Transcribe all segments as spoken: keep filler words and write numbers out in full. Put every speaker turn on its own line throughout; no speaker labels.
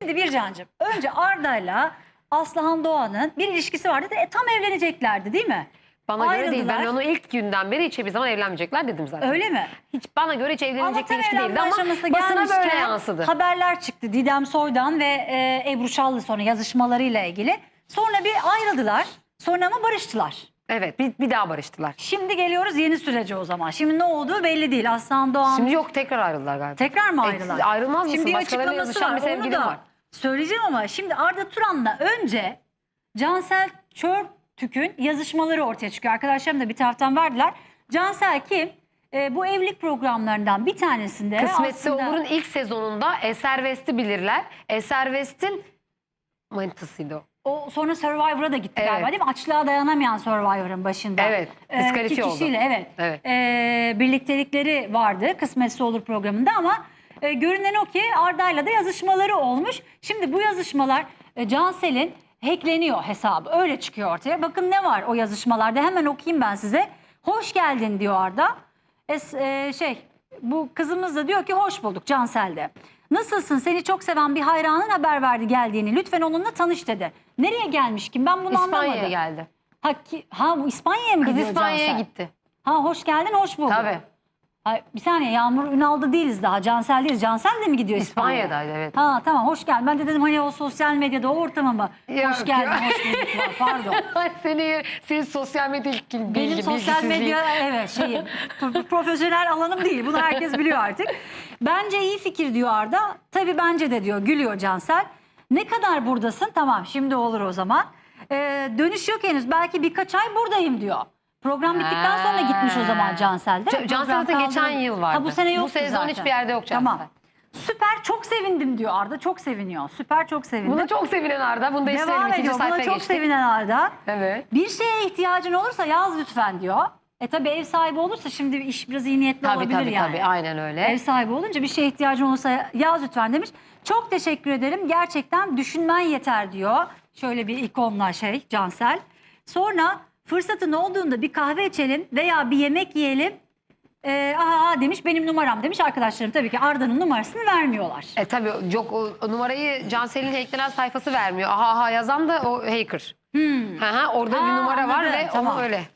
Şimdi Bircancığım, önce Arda'yla Aslıhan Doğan'ın bir ilişkisi vardı. E, tam evleneceklerdi değil mi?
Bana göre değil. Ben
Ayrıldılar.
onu ilk günden beri hiçbir zaman evlenmeyecekler dedim zaten.
Öyle mi?
Hiç bana göre hiç
Ama
evlenecek bir
tam
ilişki değildi
evlenme
ama
aşamasına
basına böyle
gelmişken
yansıdı.
haberler çıktı Didem Soydan ve e, Ebru Şallı sonra yazışmalarıyla ilgili. Sonra bir ayrıldılar. Sonra ama barıştılar.
Evet, bir, bir daha barıştılar.
Şimdi geliyoruz yeni sürece o zaman. Şimdi ne olduğu belli değil. Aslıhan Doğan
Şimdi yok, tekrar ayrıldılar galiba.
tekrar mı ayrılar?
E, ayrılmaz mısın?
Şimdi bir
Başkalarıyla
açıklaması
yazışan
var.
bir
Onu
sevgilin
da
var.
söyleyeceğim ama şimdi Arda Turan'la önce Cansel Çörtük'ün yazışmaları ortaya çıkıyor. Arkadaşlarım da bir taraftan verdiler. Cansel kim? E, bu evlilik programlarından bir tanesinde
Kısmetse
aslında...
Olur'un ilk sezonunda Eser West'i bilirler. Eser West'in manitasıydı o.
O sonra Survivor'a da gitti
Evet.
galiba değil mi? Açlığa dayanamayan Survivor'ın başında.
Evet,
Ee,
diskalifiye
iki kişiyle,
oldu.
evet.
Evet.
Ee, birliktelikleri vardı Kısmetse Olur programında ama e, görünen o ki Arda'yla da yazışmaları olmuş. Şimdi bu yazışmalar e, Cansel'in hackleniyor hesabı. Öyle çıkıyor ortaya. Bakın ne var o yazışmalarda, hemen okuyayım ben size. Hoş geldin diyor Arda. Es, e, şey bu kızımız da diyor ki hoş bulduk Cansel de. Nasılsın? Seni çok seven bir hayranın haber verdi geldiğini. Lütfen onunla tanış dedi. Nereye gelmiş kim? Ben bunu
İspanya'ya
anlamadım.
geldi.
Ha, ki, ha bu İspanya'ya mı
Kız
gidiyor
İspanya'ya
Cansel?
gitti.
Ha hoş geldin, hoş bulduk.
Tabii.
Ha, bir saniye, Yağmur Ünal'da değiliz daha. Cansel değiliz. Cansel de mi gidiyor İspanya'ya?
İspanya'daydı, evet.
Ha tamam, hoş geldin. Ben de dedim hani o sosyal medyada o ortama mı?
Yok,
hoş geldin,
yok.
hoş bulduk var. Pardon.
Seni, senin sosyal medya bilgi,
Benim sosyal medya evet şeyim pro- profesyonel alanım değil. Bunu herkes biliyor artık. Bence iyi fikir diyor Arda. Tabii bence de diyor, gülüyor Cansel. Ne kadar buradasın? Tamam şimdi olur o zaman. Ee, dönüş yok henüz. Belki birkaç ay buradayım diyor. Program bittikten sonra gitmiş o zaman Cansel de.
Ca- Cansel
Program
zaten geçen
kaldı.
yıl vardı.
Ha, bu sene yoktu
Bu sezon
zaten.
hiçbir yerde yok Cansel.
Tamam. Süper, çok sevindim diyor Arda. Çok seviniyor. Süper, çok sevindim.
Buna çok sevinen Arda. Bunu da
Devam
isterim. İkinci
ediyor. Buna
sayfaya
çok
geçtik.
sevinen Arda.
Evet.
Bir şeye ihtiyacın olursa yaz lütfen diyor. E tabii ev sahibi olursa şimdi iş biraz iyi niyetli
Tabii
olabilir
tabii
yani.
tabii. Aynen öyle.
Ev sahibi olunca bir şeye ihtiyacın olursa yaz lütfen demiş. Çok teşekkür ederim. Gerçekten düşünmen yeter diyor. Şöyle bir ikonla şey Cansel. Sonra fırsatın olduğunda bir kahve içelim veya bir yemek yiyelim. Ee, aha demiş, benim numaram demiş. Arkadaşlarım tabii ki Arda'nın numarasını vermiyorlar.
E tabii yok, o, o numarayı Cansel'in hacklenen sayfası vermiyor. Aha aha yazan da o hacker.
Hmm.
Hı hı, orada
Ha,
bir numara var
anladım,
ve
tamam.
onu öyle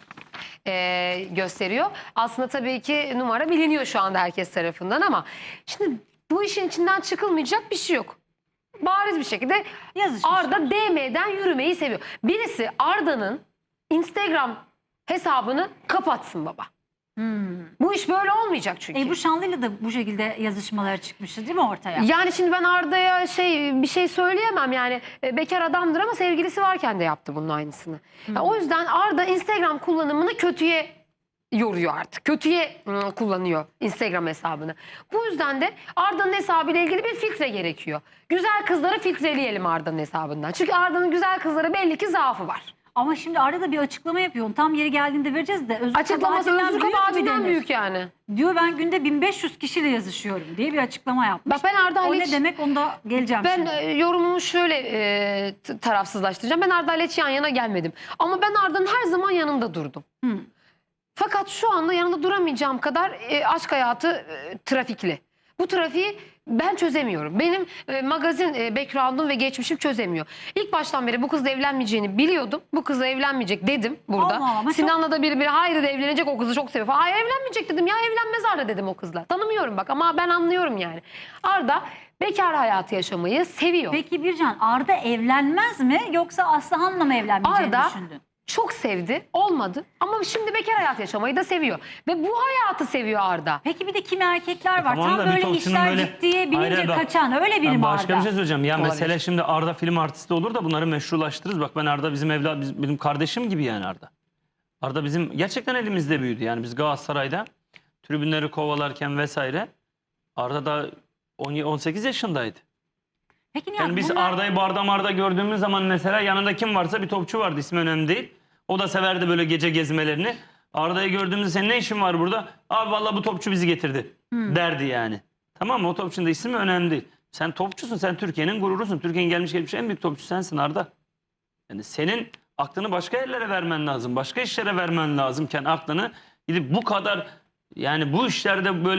e, gösteriyor. Aslında tabii ki numara biliniyor şu anda herkes tarafından ama şimdi bu işin içinden çıkılmayacak bir şey yok. Bariz bir şekilde
Yazışmışlar.
Arda D M'den yürümeyi seviyor. Birisi Arda'nın Instagram hesabını kapatsın baba.
Hmm.
Bu iş böyle olmayacak çünkü.
Ebru Şanlı'yla da bu şekilde yazışmaları çıkmıştı değil mi ortaya?
Yani şimdi ben Arda'ya şey bir şey söyleyemem yani e, bekar adamdır ama sevgilisi varken de yaptı bunun aynısını.
Hmm.
Ya o yüzden Arda Instagram kullanımını kötüye yoruyor artık. Kötüye ıı, kullanıyor Instagram hesabını. Bu yüzden de Arda'nın hesabıyla ilgili bir filtre gerekiyor. Güzel kızları filtreleyelim Arda'nın hesabından. Çünkü Arda'nın güzel kızlara belli ki zaafı var.
Ama şimdi Arda da bir açıklama yapıyor. Onu tam yeri geldiğinde vereceğiz de. Özür
Açıklaması
kabahatinden
özür
büyük mü
kabahatinden
denir?
büyük yani.
Diyor ben günde bin beş yüz kişiyle yazışıyorum diye bir açıklama yapmış.
Bak ben Arda
O
ile
ne
hiç-
demek, onu da geleceğim
Ben
şimdi.
e, yorumumu şöyle e, t- tarafsızlaştıracağım. Ben Arda'yla hiç yan yana gelmedim. Ama ben Arda'nın her zaman yanında durdum.
Hı.
Fakat şu anda yanında duramayacağım kadar e, aşk hayatı e, trafikli. Bu trafiği ben çözemiyorum. Benim e, magazin e, background'um ve geçmişim çözemiyor. İlk baştan beri bu kızla evlenmeyeceğini biliyordum. Bu kızla evlenmeyecek dedim burada.
Allah Allah,
Sinan'la da biri biri hayır evlenecek, o kızı çok seviyor falan. Hayır evlenmeyecek dedim ya, evlenmez Arda dedim o kızla. Tanımıyorum bak ama ben anlıyorum yani. Arda bekar hayatı yaşamayı seviyor.
Peki Bircan, Arda evlenmez mi yoksa Aslıhan'la mı evlenmeyeceğini
Arda
düşündün?
çok sevdi, olmadı ama şimdi bekar hayat yaşamayı da seviyor. Ve bu hayatı seviyor Arda.
Peki bir de kimi erkekler var.
Tamam
Tam
da bir
böyle
topçunun
işler
böyle-
ciddiye binince
Hayır, bak,
kaçan öyle biri
Ben
mi
başka
Arda?
bir şey söyleyeceğim. Ya
Olabilir.
mesele şimdi Arda film artisti olur da bunları meşrulaştırırız. Bak ben Arda bizim evlat, biz- benim kardeşim gibi yani Arda. Arda bizim gerçekten elimizde büyüdü. Yani biz Galatasaray'da tribünleri kovalarken vesaire Arda da on on sekiz yaşındaydı.
Peki Nihat,
Yani biz
bunlar-
Arda'yı barda marda gördüğümüz zaman mesela yanında kim varsa bir topçu vardı, ismi önemli değil. O da severdi böyle gece gezmelerini. Arda'yı gördüğümüzde senin ne işin var burada? Abi vallahi bu topçu bizi getirdi derdi yani. Tamam mı? O topçunun da ismi önemli değil. Sen topçusun, sen Türkiye'nin gururusun. Türkiye'nin gelmiş geçmiş en büyük topçusu sensin Arda. Yani senin aklını başka yerlere vermen lazım. Başka işlere vermen lazımken aklını gidip bu kadar yani bu işlerde böyle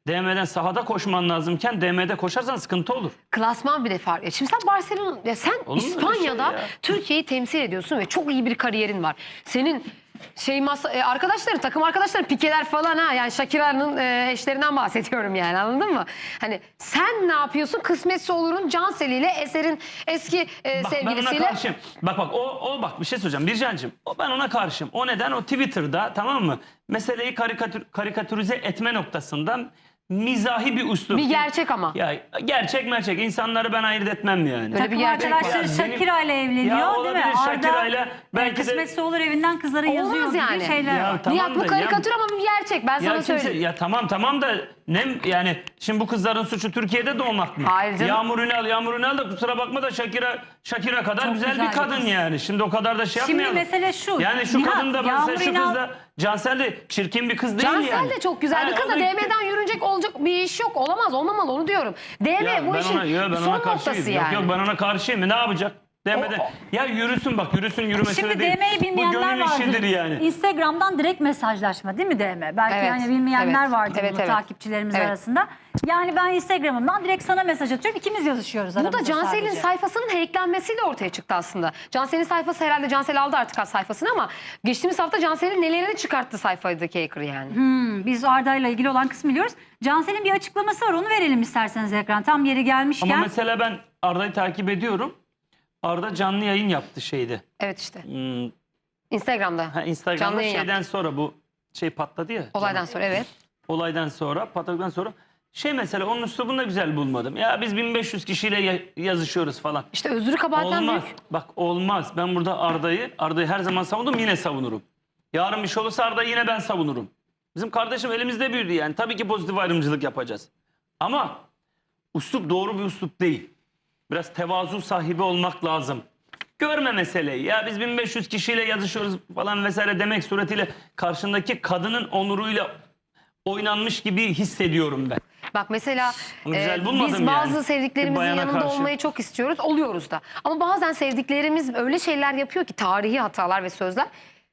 D M'den sahada koşman lazımken D M'de koşarsan sıkıntı olur.
Klasman bile farklı. Şimdi sen Barcelona, ya sen
Olur mu öyle
İspanya'da
şey ya?
Türkiye'yi temsil ediyorsun ve çok iyi bir kariyerin var. Senin şey masa, e, arkadaşların, takım arkadaşların pikeler falan ha. Yani Shakira'nın e, eşlerinden bahsediyorum yani, anladın mı? Hani sen ne yapıyorsun? Kısmetse olurun Cansel ile Eser'in eski e,
Bak ben ona
sevgilisiyle.
karşıyım. Bak bak o, o bak bir şey söyleyeceğim Bircan'cığım. O, ben ona karşıyım. O neden? O Twitter'da, tamam mı? Meseleyi karikatür, karikatürize etme noktasından mizahi bir üslup.
Bir gerçek ama.
Ya gerçek merçek. İnsanları ben ayırt etmem yani.
Böyle bir
Takım
gerçek
arkadaşları
var. Yani
Shakira ile evleniyor
Ya
değil mi?
olabilir, Shakira'yla
Arda,
belki de-
kısmetse olur evinden kızlara
Olmaz
yazıyor gibi
yani.
şeyler
Ya
var.
tamam
Nihat bu
da
karikatür ama bir gerçek. Ben
Ya
sana
kimse,
söyleyeyim.
ya tamam tamam da ne yani şimdi bu kızların suçu Türkiye'de doğmak mı?
Hayır canım.
Yağmur Ünal, Yağmur Ünal da kusura bakma da Shakira Shakira kadar
Çok
güzel,
güzel
bir
bir
kadın
kız.
yani. Şimdi o kadar da şey
Şimdi
yapmayalım.
mesele şu.
Yani şu
Nihat,
kadın da mesela
Yağmur
şu
Ünal-
kız da Cansel de çirkin bir kız değil
Cansel
yani.
de çok güzel bir
Ha,
kız da
o
D M'den yürünecek olacak bir iş yok. Olamaz, olmamalı, onu diyorum. D M
Ya
bu
ben
işin
ona, yo, ben
son
ona
noktası
karşıyım.
yani.
Yok yok ben ona karşıyım. Ne yapacak? Demeden.
O- o-
Ya yürüsün bak, yürüsün yürümesine
Şimdi
değil.
D M'yi
Bu
bilmeyenler
gönül
vardır.
işidir yani.
Instagram'dan direkt mesajlaşma değil mi D M? Belki
Evet,
yani bilmeyenler
evet,
vardır
evet,
bunu
evet.
takipçilerimiz
Evet.
arasında. Yani ben Instagram'ımdan direkt sana mesaj atıyorum. İkimiz yazışıyoruz
Bu da
aramızda
Cansel'in
sadece.
sayfasının hacklenmesiyle ortaya çıktı aslında. Cansel'in sayfası, herhalde Cansel aldı artık sayfasını ama geçtiğimiz hafta Cansel'in nelerini çıkarttı sayfadaki hacker yani.
Hmm, biz Arda'yla ilgili olan kısmı biliyoruz. Cansel'in bir açıklaması var. Onu verelim isterseniz ekran. Tam yeri gelmişken.
Ama mesela ben Arda'yı takip ediyorum. Arda canlı yayın yaptı şeyde.
Evet işte.
Hmm,
Instagram'da.
ha, Instagram'da
Canlı yayın
şeyden
yaptı.
sonra bu şey patladı ya.
Olaydan sonra evet.
Olaydan sonra, patladıktan sonra şey mesela onun üslubunu da güzel bulmadım. Ya biz bin beş yüz kişiyle ya- yazışıyoruz falan.
İşte özrü kabahatten
Olmaz.
büyük.
Bak olmaz. Ben burada Arda'yı, Arda'yı her zaman savundum, yine savunurum. Yarın bir şey olursa Arda'yı yine ben savunurum. Bizim kardeşim elimizde büyüdü yani. Tabii ki pozitif ayrımcılık yapacağız. Ama üslup doğru bir üslup değil. Biraz tevazu sahibi olmak lazım. Görme meseleyi. Ya biz bin beş yüz kişiyle yazışıyoruz falan vesaire demek suretiyle karşındaki kadının onuruyla oynanmış gibi hissediyorum ben.
Bak mesela
Onu güzel
e,
bulmadım
biz
yani.
bazı
Bir
sevdiklerimizin
bayana
yanında
karşı.
olmayı çok istiyoruz. Oluyoruz da. Ama bazen sevdiklerimiz öyle şeyler yapıyor ki, tarihi hatalar ve sözler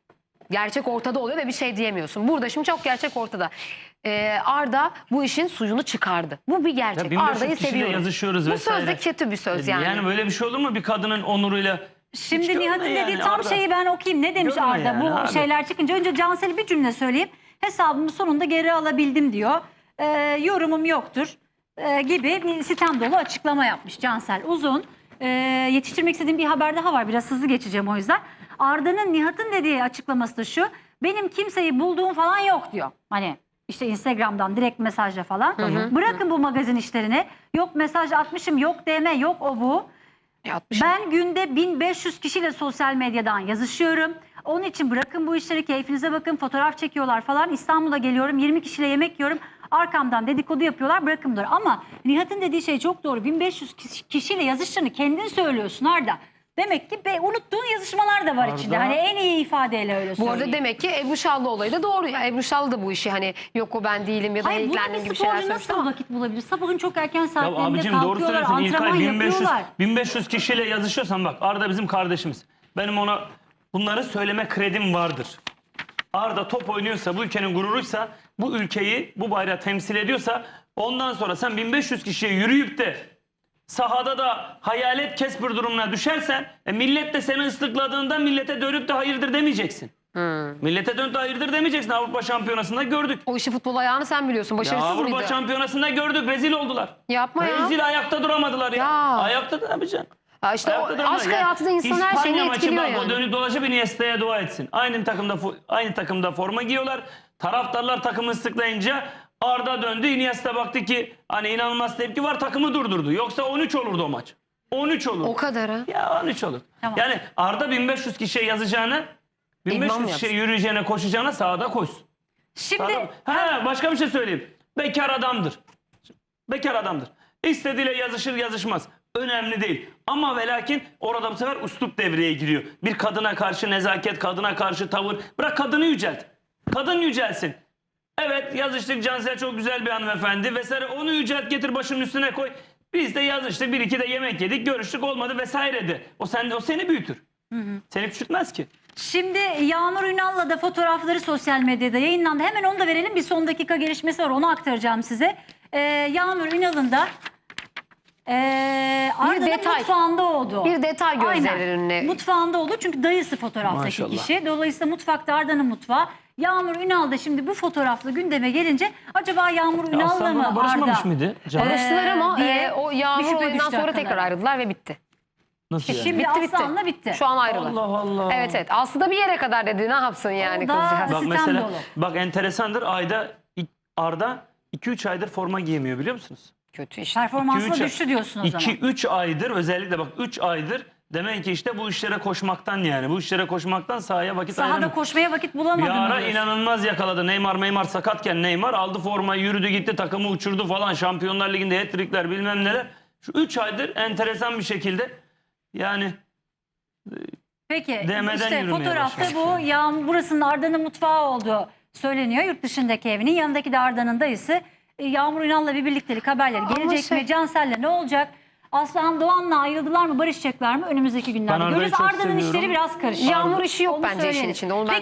gerçek ortada oluyor ve bir şey diyemiyorsun. Burada şimdi çok gerçek ortada. E, Arda bu işin suyunu çıkardı. Bu bir
Ya
gerçek.
bin beş yüz
Arda'yı
kişiyle
seviyorum.
yazışıyoruz
Bu
vesaire.
söz de kötü bir söz yani.
Yani böyle bir şey olur mu bir kadının onuruyla?
Şimdi
Hiç
Nihat'ın
görme
dediği
yani
tam
Arda.
şeyi ben okuyayım. Ne demiş
Görme
Arda
yani
bu
abi.
şeyler çıkınca? Önce Cansel'e bir cümle söyleyeyim. Hesabımı sonunda geri alabildim diyor. Ee, yorumum yoktur ee, gibi bir sitem dolu açıklama yapmış Cansel. Uzun. Ee, yetiştirmek istediğim bir haber daha var. Biraz hızlı geçeceğim o yüzden. Arda'nın Nihat'ın dediği açıklaması da şu. Benim kimseyi bulduğum falan yok diyor. Hani işte Instagram'dan direkt mesajla falan. Bırakın bu magazin işlerini. Yok mesaj atmışım, yok D M, yok o bu.
Yapmışım.
Ben günde bin beş yüz kişiyle sosyal medyadan yazışıyorum. Onun için bırakın bu işleri, keyfinize bakın, fotoğraf çekiyorlar falan. İstanbul'a geliyorum, yirmi kişiyle yemek yiyorum. Arkamdan dedikodu yapıyorlar, bırakın bunları. Ama Nihat'ın dediği şey çok doğru. bin beş yüz kişi- kişiyle yazıştığını kendin söylüyorsun Arda. Demek ki be, unuttuğun yazışmalar da var
Arda-
içinde. Hani en iyi ifadeyle öyle
Bu
söyleyeyim.
arada demek ki Ebru Şallı olayı da doğru. Yani Ebru Şallı da bu işi hani yok o ben değilim ya da
Hayır, buna
hacklendim
bir
gibi şeyler
sporcu
söylemiş
nasıl
ama.
vakit bulabilir? Sabahın çok erken
Ya
saatlerinde
abicim doğru
kalkıyorlar,
söylüyorsun İlkay,
antrenman
bin beş yüz,
yapıyorlar.
bin beş yüz kişiyle yazışıyorsan bak Arda bizim kardeşimiz. Benim ona bunları söyleme kredim vardır. Arda top oynuyorsa, bu ülkenin gururuysa, bu ülkeyi, bu bayrağı temsil ediyorsa ondan sonra sen bin beş yüz kişiye yürüyüp de sahada da hayalet kesbir durumuna düşersen e, millet de seni ıslıkladığında millete dönüp de hayırdır demeyeceksin. Millete dönüp de hayırdır demeyeceksin. Avrupa Şampiyonası'nda gördük.
O işi futbol ayağını sen biliyorsun.
Ya
Başarısız
Avrupa
mıydı?
Şampiyonası'nda gördük. Rezil oldular.
Yapma ya.
Rezil, ayakta duramadılar ya.
Ya.
Ayakta da ne yapacaksın?
Ya işte o
Ayakta duramadılar.
aşk
Yani
hayatında insan her şeyini
İspanya maçı
etkiliyor
bak,
yani.
O dönüp dolaşıp Iniesta'ya dua etsin. Aynı takımda fo- aynı takımda forma giyiyorlar. Taraftarlar takımı ıslıklayınca Arda döndü. Iniesta baktı ki hani inanılmaz tepki var, takımı durdurdu. Yoksa on üç olurdu o maç. on üç olur.
O kadarı.
Ya on üç olur.
Tamam.
Yani Arda bin beş yüz kişiye yazacağına, bin beş
İdman
yüz kişiye yürüyeceğine, koşacağına sahada koşsun.
Şimdi
Adam, ha, başka bir şey söyleyeyim. Bekar adamdır. Bekar adamdır. İstediğiyle yazışır yazışmaz. Önemli değil. Ama ve lakin orada bu sefer üslup devreye giriyor. Bir kadına karşı nezaket, kadına karşı tavır. Bırak kadını yücelt. Kadın yücelsin. Evet yazıştık, Cansel çok güzel bir hanımefendi vesaire. Onu yücelt, getir başının üstüne koy. Biz de yazıştık, bir iki de yemek yedik, görüştük, olmadı vesaire de. O, sen, o seni büyütür. Seni küçültmez ki.
Şimdi Yağmur Ünal'la da fotoğrafları sosyal medyada yayınlandı. Hemen onu da verelim. Bir son dakika gelişmesi var. Onu aktaracağım size. Ee, Yağmur Ünal'ın da ee, Arda'nın
detay.
mutfağında oldu.
Bir detay gözlerinin önüne.
Mutfağında oldu çünkü dayısı fotoğraftaki
Maşallah.
kişi. Dolayısıyla mutfakta Arda'nın mutfağı. Yağmur Ünal da şimdi bu fotoğrafla gündeme gelince acaba Yağmur
Ya
Ünal'la
Aslan
mı
bana barışmamış
Arda?
mıydı? Can?
Evet.
Barıştılar ama
diye
e, o
bir
Yağmur
şüphe
oyundan
düştü
sonra
akıllara.
tekrar ayrıldılar ve bitti.
Nasıl yani?
Şimdi
Bitti bitti.
Aslan'la bitti.
Şu an ayrılar.
Allah Allah.
Evet evet. Aslında bir yere kadar dedi, ne yapsın yani
O da-
kızcağız.
Bak
Sistem
mesela
dolu.
bak enteresandır, ayda Arda iki üç aydır forma giyemiyor biliyor musunuz?
Kötü işte.
Performansı
iki üç
düştü diyorsun o zaman.
iki üç aydır, özellikle bak üç aydır demek ki işte bu işlere koşmaktan, yani bu işlere koşmaktan sahaya vakit
Sahada
ayıramıyor.
koşmaya vakit
Bir
bulamadım
ara
diyorsun.
inanılmaz yakaladı. Neymar Neymar sakatken Neymar aldı formayı, yürüdü gitti, takımı uçurdu falan. Şampiyonlar Ligi'nde hat-trickler bilmem neler. Şu üç aydır enteresan bir şekilde yani
Peki
Değmeden
işte
yürümeye
fotoğrafta
başlamış
bu
yani.
Yağmur, burasının Arda'nın mutfağı olduğu söyleniyor. Yurt dışındaki evinin yanındaki de Arda'nın dayısı. E, Yağmur Ünal'la bir birliktelik haberleri
Ama
gelecek
şey-
mi? Cansel'le ne olacak? Aslıhan Doğan'la ayrıldılar mı? Barışacaklar mı? Önümüzdeki günlerde
Arda'yı
görürüz.
çok
Arda'nın
seviyorum.
işleri biraz karışık.
Yağmur işi yok
Onu
bence işin
söyleyelim.
içinde. Onu ben